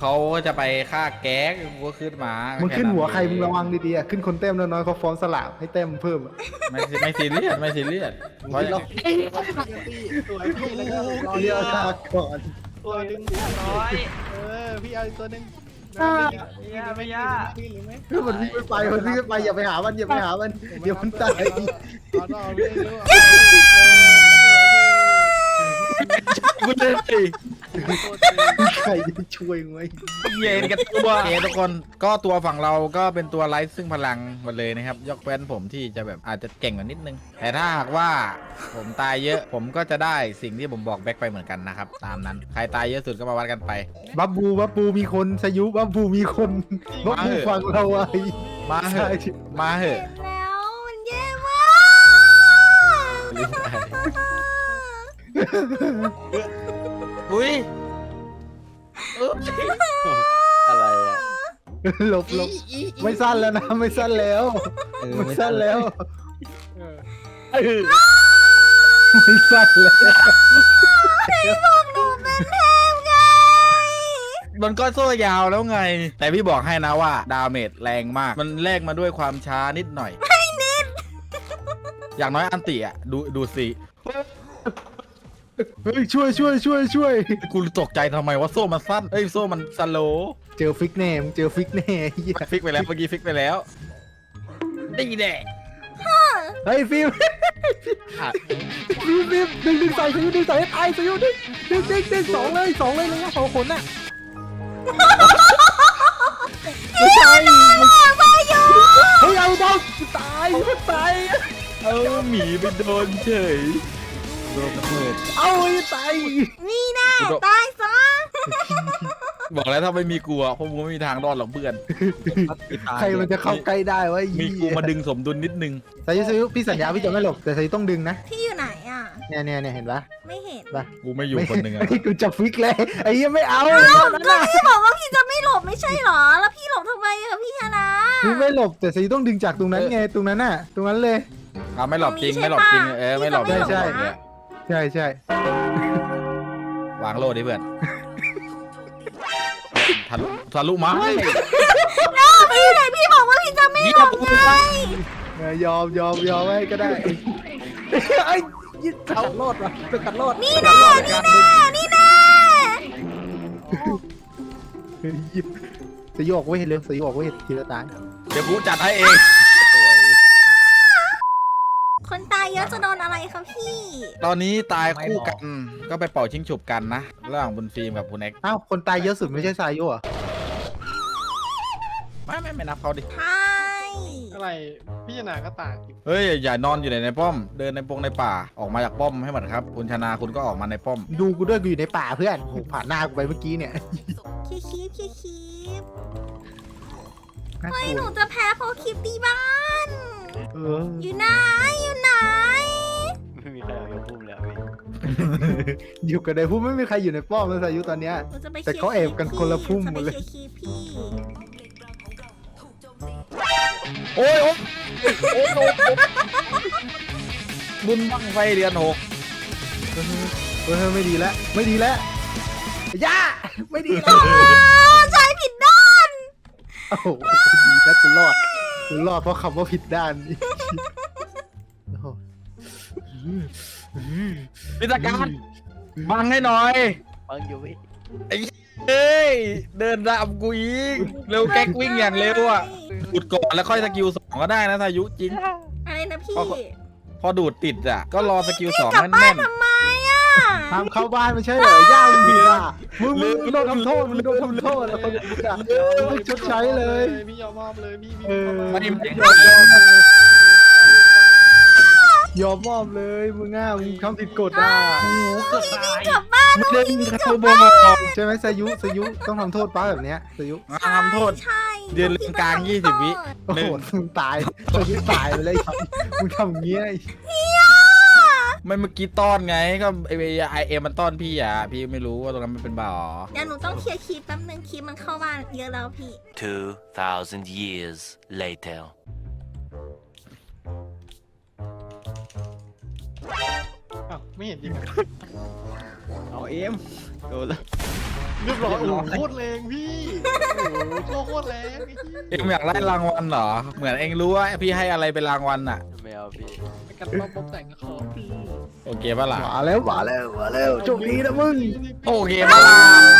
เขาจะไปฆ่าแก๊กกูก็ขึ้นมามึงขึ้นหัวใครมึงระวังดีๆขึ้นคนเต็มน้อยๆเขาฟ้องสลากให้เต็มเพิ่มไม่ซีเรียสไม่ซีเรียสเพราะเราสวยพี่แล้วก็รอเรียกทาก่อนตัวหนึ่งร้อยพี่เอาอีกตัวหนึ่งไม่ยากพี่หรือไม่คือมันวิ่งไม่ไปมันวิ่งไม่ไปอย่าไปหามันอย่าไปหามันเดี๋ยวมันตายเอาต่อพี่เร็วกูเลยใครจะช่วยไหมเย็นกันตัวโอเคทุกคนก็ตัวฝั่งเราก็เป็นตัวไร้ซึ่งพลังหมดเลยนะครับยกเว้นผมที่จะแบบอาจจะเก่งกว่านิดนึงแต่ถ้าหากว่าผมตายเยอะผมก็จะได้สิ่งที่ผมบอกแบ็คไปเหมือนกันนะครับตามนั้นใครตายเยอะสุดก็มาวัดกันไปบับบูมีคนสยุบับบูมีคนบับบูฟังเราไว้มาเหอะมาเหอะแล้วมันแย่มากอุ้ยอะไรอ่ะหลบไม่สั้นแล้วนะไม่สั้นแล้วไม่สั้นแล้วไม่สั้นแล้วบอกหนูเป็นเทพไงมันก็โซ่ยาวแล้วไง แต่พี่บอกให้นะว่าดาเมจแรงมากมันแลกมาด้วยความช้านิดหน่อยไม่นิดอย่างน้อยอันติอ่ะดูสิเฮ้ยช่วยกูตกใจทำไมว่าโซ่มันสั้นเอ้ยโซ่มันสโลว์เจอฟิกแน่มึงเจอฟิกแน่เหี้ยฟิกไปแล้วเมื่อกี้ฟิกไปแล้วนี่แน่เฮ้ยฟิล์มดึงใส่สยุดึงใส่ให้ตายสยุดึงสองเลยเลยนะ2 คนน่ะไม่ใช่เฮ้ยเอาเบาตายเอาหมีไปโดนเฉยโดนระเบิดเอาตายนี่แน่ตายซะบอกแล้วถ้าไม่มีกูอะพวกมึงไม่มีทางรอดหรอกเพื่อนใครมันจะเข้าใกล้ได้วะมีกูมาดึงสมดุลนิดนึงสายุพี่สัญญาพี่จะไม่หลบแต่สายุต้องดึงนะพี่อยู่ไหนอ่ะเนี่ยเห็นปะไม่เห็นปะกูไม่อยู่คนหนึ่งอะกูจะฟิกเลยไอ้ยังไม่เอาก็พี่บอกว่าพี่จะไม่หลบไม่ใช่หรอ แล้วพี่หลบทำไมอะพี่ชนะพี่ไม่หลบแต่สายุต้องดึงจากตรงนั้นไงตรงนั้นน่ะตรงนั้นเลยเอาไม่หลบจริงไม่หลบจริงไม่หลบใช่ ใช่วางโลดดิเพื่อนทะลุไม้พี่ไหนพี่บอกว่าพี่จะไม่หลบไงยอมให้ก็ได้ไอ้ยึดกัดรอดว่ะกัดรอดนี่แน่สยอกเว้ยเร็วสยอกเว้ยทีละตายเดี๋ยวกูจัดให้เองคนตายเยอะจะโดนอะไรคะพี่ตอนนี้ตายคู่กันก็ไปเป่าชิงฉุบกันนะระหว่างบุญฟิล์มกับคุณเอ็กอ้าวคนตายเยอะสุดไม่ใช่สายุอ่ะไม่นับเขาดิใช่อะไรพี่ชนะก็ต่างเฮ้ยอย่านอนอยู่ในป้อม เดินในในป่าออกมาจากป้อมให้หมดครับคุณชนะคุณก็ออกมาในป้อมดูกูด้วยกูอยู่ในป่าเพื่อนโหผ่านหน้ากูไปเมื่อกี้เนี่ยคีบน่าเฮ้ยกลัหนูวจะแพ้เพราะคลิปตีบ้านเอออยู่ไหนไม่มีใครเอาไปพุ่มแล้วพี่อยู่กันในพุ่มไม่มีใครอยู่ในป้อมแล้วสายุตอนเนี้ยหนูจะไปแต่เขาแอบกันคนละพุ่มหมดเลยคลิปพี่โอ้ยบุญบังไฟเดือน6 เออไม่ดีแล้วย่าไม่ดีแล้วใช้ผิดด้านโอ้โหดีนะกูรอดเพราะคำว่าผิดด้านนี่โอ้โหพิธการบังให้หน่อยบังอยู่พี่เอ้ยเดินตามกูอีกเร็วแก๊กวิ่งอย่างเร็วอ่ะดูดก่อนแล้วค่อยสกิล2ก็ได้นะทายุจริงอะไรนะพี่พอดูดติดอ่ะก็รอสกิล2 กลับบ้าแน่นนทำไมอ่ะห้ามเข้าบ้านไม่ใช่เหรอย่ามึงผิดอ่ะมึงโดนทำโทษแล้วคนผิดอ่ะมึงชดใช้เลยพี่ยอมมอบเลยพี่เออๆไม่ยอมมอบเลยมึงง่ามึงทำผิดกฎอ่ะกลับบ้านไม่ได้มีคาร์บอนใช่ไหมสายุต้องทำโทษป้าแบบเนี้ยสายุทำโทษใช่เดือนกลาง20 วิโอ้โหมึงตายสายุตายไปเลยมึงทำอย่างเงี้ยไม่เมื่อกี้ต้อนไงก็ไอเอ็มมันต้อนพี่อ่ะพี่ไม่รู้ว่าตรงนั้นมันเป็นบ่อเดี๋ยวหนูต้องเคลียร์คลิปแป๊บนึงคลิปมันเข้าบ้านเยอะแล้วพี่ 2,000 years later. อ้าวไม่เห็นจริงเอาเอ็มโดนแล้วเรียบร้อยโอ้โหโคตรแรงพี่โอ้โหโคตรแรงไอ้เหี้ยเอ็งอยากได้รางวัลเหรอเหมือนเอ็งรู้ว่าพี่ให้อะไรเป็นรางวัลอ่ะไม่เอาพี่กันป๊อปป๊อปแต่งกับเขาพี่โอเคปะล่ะมาแล้วโชคดีนะมึงโอเคปะล่ะ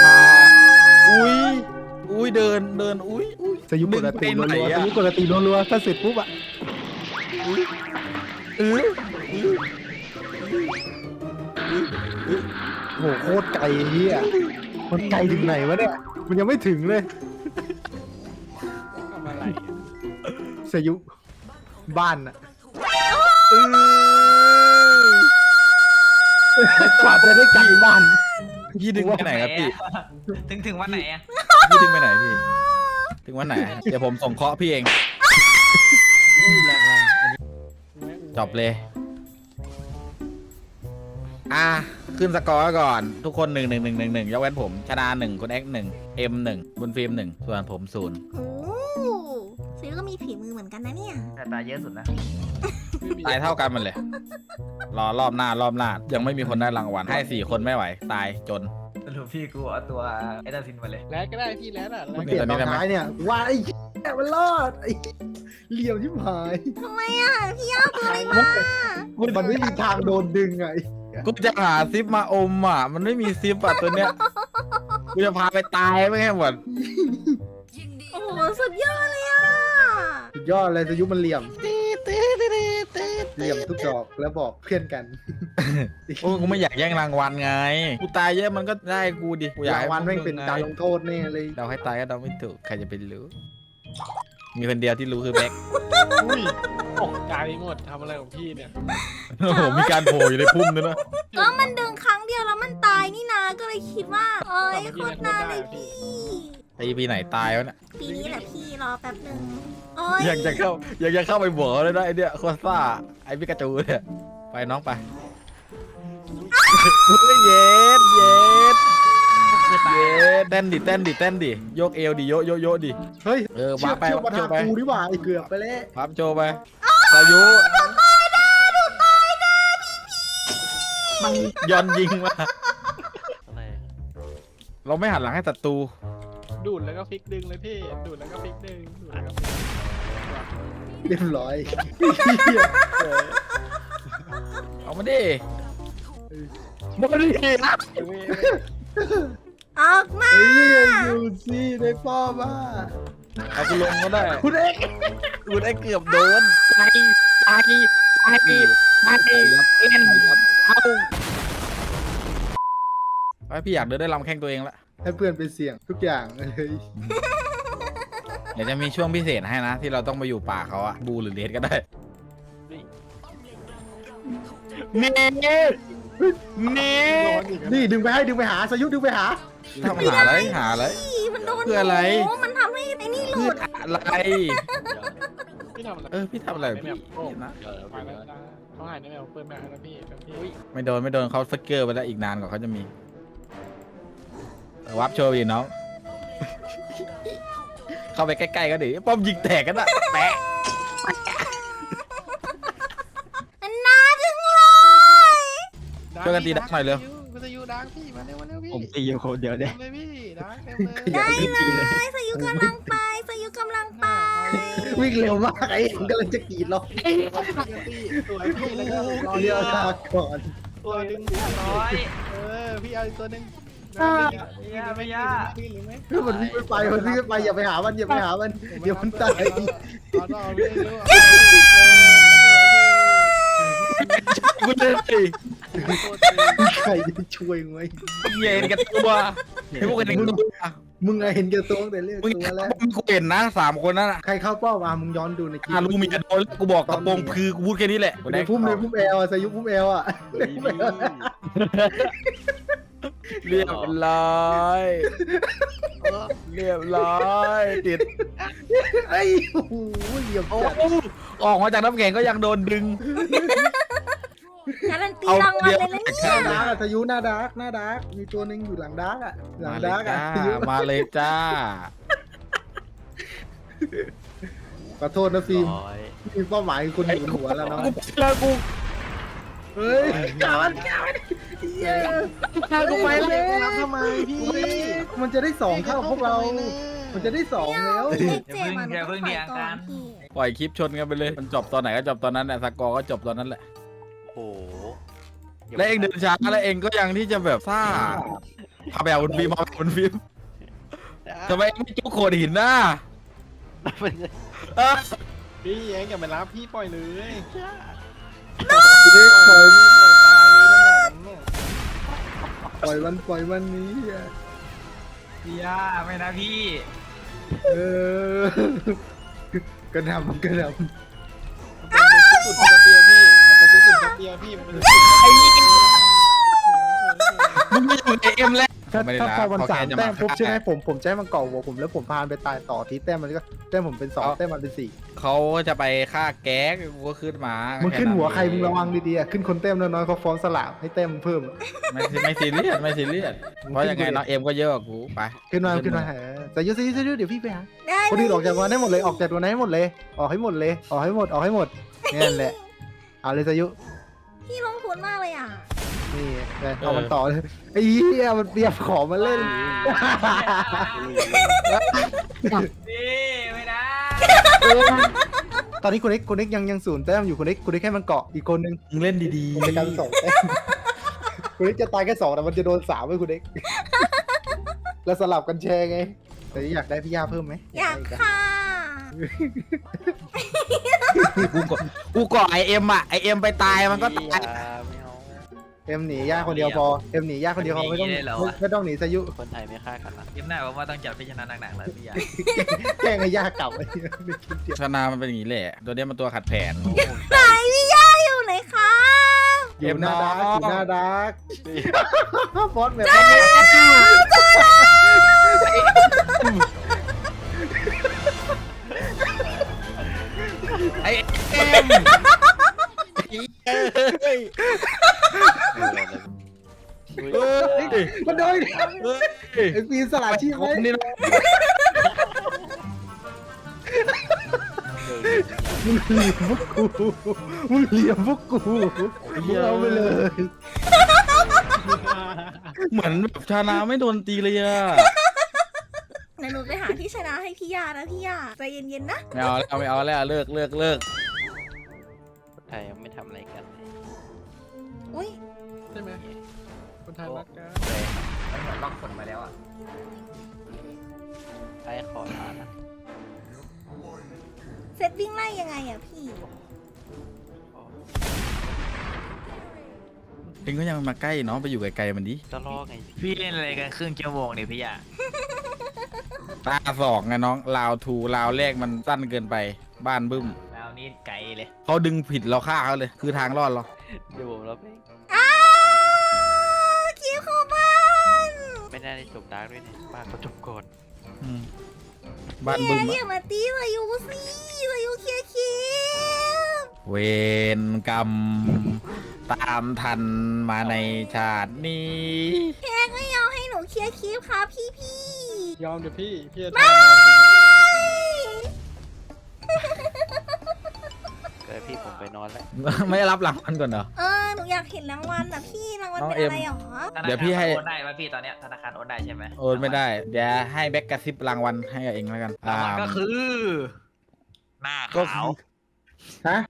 อุ้ยเดินอุ้ยสยุปกติมึงไปรัวไหนๆอะสยุปกติรัวๆถ้าเสร็จปุ๊บอะโหโคตรไกลเฮียมันไกลถึงไหนวะเนี่ยมันยังไม่ถึงเลยทำอะไรสยุบ้านอะกว่าจะได้กลับบ้านพี่ดึงไปไหนครับพี่ถึงวันไหนอะพี่ดึงไปไหนพี่ถึงวันไหนเดี๋ยวผมส่งเคราะห์พี่เองจบเลยขึ้นสกอร์ก่อนทุกคน1-1-1-1ยกเว้นผมชนะ1คุณแอ็ก1 M1 บุญฟิล์ม1ส่วนผม0 โอ้ซื้อก็มีฝีมือเหมือนกันนะเนี่ยแต่ตาเยอะสุดนะตายเท่ากันมันเลยรอรอบหน้ยังไม่มีคนได้รางวัลให้4คนไม่ไหวตายจนสรุปพี่กูเอาตัวไอ้ดาซินมาเลยแล้วก็ได้พี่แล้วอ่ะมันเปลี่ยนตอนท้ายเนี่ยว่าไอ้แกมันรอดไอ้เหลี่ยมชิบหายทำไมอ่ะ พี่เอาตัวอะไรมามันไม่มีทางโดนดึงไงกูจะหาซิปมาอมอ่ะมันไม่มีซิปอ่ะตัวเนี้ยกูจะพาไปตายไม่ให้หมดโอ้โหสุดยอดเลยอ่ะสุดยอดเลยสยุมันเหลี่ยมเหลี่ยมทุกดอกแล้วบอกเพื่อนกันโอ้ยกูไม่อยากแย่งรางวัลไงกูตายเยอะมันก็ได้กูดิกูอยากรางให้วัลแม่งเป็นการลงโทษแน่เลยเราให้ตายก็เราไม่ถูกใครจะไปรู้มีคนเดียวที่รู้คือแบ็คอุ้ยตกใจหมดทำอะไรของพี่เนี่ยโอ้โหมีการโผล่อยู่ในพุ่มด้วยนะแล้วมันดึงครั้งเดียวแล้วมันตายนี่นาก็เลยคิดว่าเอ้ยโคตรน่าเลยพี่ไอปีไหนตายวะเนี่ยปีนี้แหละพี่รอแป๊บหนึ่งโอ้ยอยากจะเข้าไปบวกเขาเลยนะไอเนี่ยโคตรซ่าไอพิกาจูเนี่ยไปน้องไปเฮ้ยเย็ดเต้นดิโยกเอวดิโยดิเฮ้ยวาเชื่อร์ปไปเชื่อมาทางกูดีกว่าไอ้เกือบไปแล้ววาร์ปโจไปสายุมันย้อนยิงมาอะไรเราไม่หันหลังให้ศัตรูดูดแล้วก็พลิกดึงเลยพี่ดูดแล้วก็พลิกดึงดูดแล้วก็พลิกเรียบร้อยเอามาดิมาดินะออกมาเฮ้ยอยู่สิได้ป้อมาเอากูลงก็ได้คุณเอ็กคุณไอ้เกือบโดนตายเล่นเอาพี่อยากเดินได้ลำแข้งตัวเองละให้เพื่อนไปเสี่ยงทุกอย่างเลยเดี๋ยวจะมีช่วงพิเศษให้นะ ที่เราต้องไปอยู่ป่าเขาอะบูหรือเลสก็ได้เน่นี่ดึงไปหาสยุดึงไปหาทำหาอะไรพี่มันโดนเพื่ออะไรโมันทำให้ไอ้นี่หลุเพื่อดอะไรพี่ทำอะไรพี่ทำอะไรพี่นะไปแล้วนะเขาหายในแมวเปิดแมวแล้วพี่แบบพี่ไม่โดนเขาฟิกเกอร์ไปแล้วอีกนานกว่าเขาจะมีวับโชว์ดิน้อง เข้าไปใกล้ๆก็ดิป้อมยิงแตกกันอะแปะน่าจังเลยช่วยกันตีดักหน่อยเร็วมันจะอยู่ดังพี่มาเร็วพี่ผมตีอยู่คนเดียวเนี่ยเลยพี่ดังเต็มเลยได้เลยสยุกำลังไปวิ่งเร็วมากไอ้ผมกำลังจะกรีดเราตัวพี่แล้วก็เรียวทาก่อนตัวดึงร้อยพี่เอาอีกตัวหนึ่งไม่ยากพี่หรือไม่มันวิ่งไม่ไปอย่าไปหามันเดี๋ยวมันตายเอาพี่ดูกูเลยใครจะช่วยไหมเย็นกันตัวไอ้พวกเห็นตัวมึงไงเห็นแก่ตัวตั้งแต่เรื่องมึงตัวแล้วกูเห็นนะ3 คนนั่นอะใครเข้าเป้ามามึงย้อนดูในคลิปลูกมีกระโดนกูบอกกระโปรงคือกูพูดแค่นี้แหละในพุ่มแอลสยุพุ่มแอลอ่ะเรียบร้อยติดไอ้โอ้โหเหลี่ยมโอ้จัดออกมาจากน้ำแข็งก็ยังโดนดึงการันตีรางวัลเลยนะเนี่ยหน้าดาร์กสยุหน้าดาร์กมีตัวหนึ่งอยู่หลังดาร์กอ่ะหลังดาร์กอ่ะสยุมาเลยจ้าขอโทษนะฟิล์มร้อยมีเป้าหมายคนอยู่บนหัวแล้วเนาะแล้วกูเฮ้ยกามันถ้ากูไปแล้วรับทำไมพี่มันจะได้สองเท่าพวกเรา มันจะได้สองแล้วเลขเจ็ดมันต้องถอยก่อนพี่ปล่อยคลิปชนกันไปเลย มันจบตอนไหนก็จบตอนนั้นแหละสกอร์ก็จบตอนนั้นแหละโอ้โหและเองเดินช้าแล้วเองก็ยังที่จะแบบซ่าพาแบบบนฟิล์มมาบนฟิล์มทำไมเองไม่จุกโขดหินน่ะเออพี่เองอย่าไปรับพี่ปล่อยเลยปล่อยปล่อยตายเลยนั่นน่ะปล่อยวันนี้อ่ะพี่ย่าไม่นะพี่เออกระหน่ำมันเป็นสุดกระเบียพี่มันเป็นสุดกระเบียพี่มันเป็นสุดมึงไม่อยู่ในเอ็มแล้วถ้าไม่ได้พอมันเขาสาแค่มจะแต้มปุ๊บฆ่าใช่ไหมผมจะให้มันเกาะหัวผมแล้วผมพานไปตายต่อทีแต้มมันก็แต้มผมเป็นสองแต้มมันเป็นสี่เขาจะไปฆ่าแก๊กกูก็ขึ้นมามึมึงขึ้นหัวใครมึงระวังดีๆอ่ะขึ้นคนแต้มน้อยๆเขาฟ้องสลากให้แต้มมึงเพิ่มอะไม่ซีเรียสไม่ซีเรียสเพราะยังไงน้องเอ็มก็เยอะกว่ากูไปขึ้นมาแต่ยุสิเดี๋ยวพี่ไปหาได้คนอื่นออกจากวันให้หมดเลยออกจากวันให้หมดเลยออกให้หมดเลยออกให้หมดนี่แหละเอาเลยสายุพี่ลงทุนมากเลยอ่ะนี่เอามันต่อเลยไอ้เหี้ยมันเตรียมของมาเล่นพี่ไม่นะตอนนี้คุณเอ็กยังศูนย์แต้มอยู่คุณเอ็กให้มันเกาะอีกคนนึงมึงเล่นดีในการสองแต้มคุณเอ็กจะตายแค่สองแต่มันจะโดนสามไว้คุณเอ็กแล้วสลับกันแชร์ไงแต่อยากได้พี่ย่าเพิ่มไหมอยากค่ะกูก่อไอเอ็มอ่ะไอเอ็มไปตายมันก็ตายไม่เอาเอ็มหนีย่าคนเดียวพอเอ็มหนีย่าคนเดียวพอไม่ต้องหนีสายุคนไทยไม่ฆ่ากันนะยิ้มหน้าผมว่าต้องจัดพิจารณาหนักๆเลยพี่ย่าแกล้งให้ย่ากลับไอ้เหี้ยไม่คิดเดียวชนะมันเป็นอย่างนี้แหละตัวเนี้ยมันตัวขัดแผนไหนพี่ย่าอยู่ไหนคะอยู่หน้าดาร์กอยู่หน้าดาร์กฟอสแบบไอเอ็มมันโดนไอ้ปีนสลัดชีพไว้นี่นะมึงเหลี่ยมพวกกูมึงเอาไปเลยเหมือนแบบชนะไม่โดนตีเลยอ่ะเดี๋ยวหนูไปหาที่ชนะให้พี่ย่านะพี่ย่าใจเย็นๆนะไม่เอาแล้วเลิกคนไทยยังไม่ทำอะไรกันเลยอุ้ยใช่ไหมคนไทยรักกันมันเหมือนล็อกผลมาแล้วอ่ะไอ้ขอลานะเซตวิ่งไล่ยังไงอ่ะพี่เองก็ยังมาใกล้น้องไปอยู่ไกลๆมันดิจะล่อไงพี่เล่นอะไรกันครึ่งชั่วโมงเนี่ยพี่ย่าตาสองไงน้องลาวทูลาวแรกมันสั้นเกินไปบ้านบึ้มแล้วนี่ไกลเลยเขาดึงผิดเราฆ่าเขาเลย คือทางรอดเราเดี๋ยวผมรับเองอ้าคิวเข้าบ้านไม่ได้จบดาร์กด้วยเนี่ยบ้านเขาจบก่อนอืมบ้านบึ้มอย่ามาตีวายุสิวายุเคลียร์คิวเวรกรรม ตามทันมาในชาตินี้แค่ก็ยอมให้หนูเคลียร์คิวครับพี่พี่ยอมเดี๋ยวพี่จะไม่ทำงานจริงเดี๋ยวพี่ผมไปนอนแล้วไม่รับหลังมันก่อนเหรอหนูอยากเห็นรางวัลอ่ะพี่รางวัลน้องเป็นอะไรเอ็หรมอธนาเดี๋ยวคารพี่ให้โอนได้ป่ะพี่ตอนเนี้ยธนาคารโอนได้ใช่ไหมโอนไม่ได้ เดี๋ยวให้แบ็กกระซิบรางวัลให้กับเองแล้วกันรางวัลก็คือ หน้าก็ขาวฮะ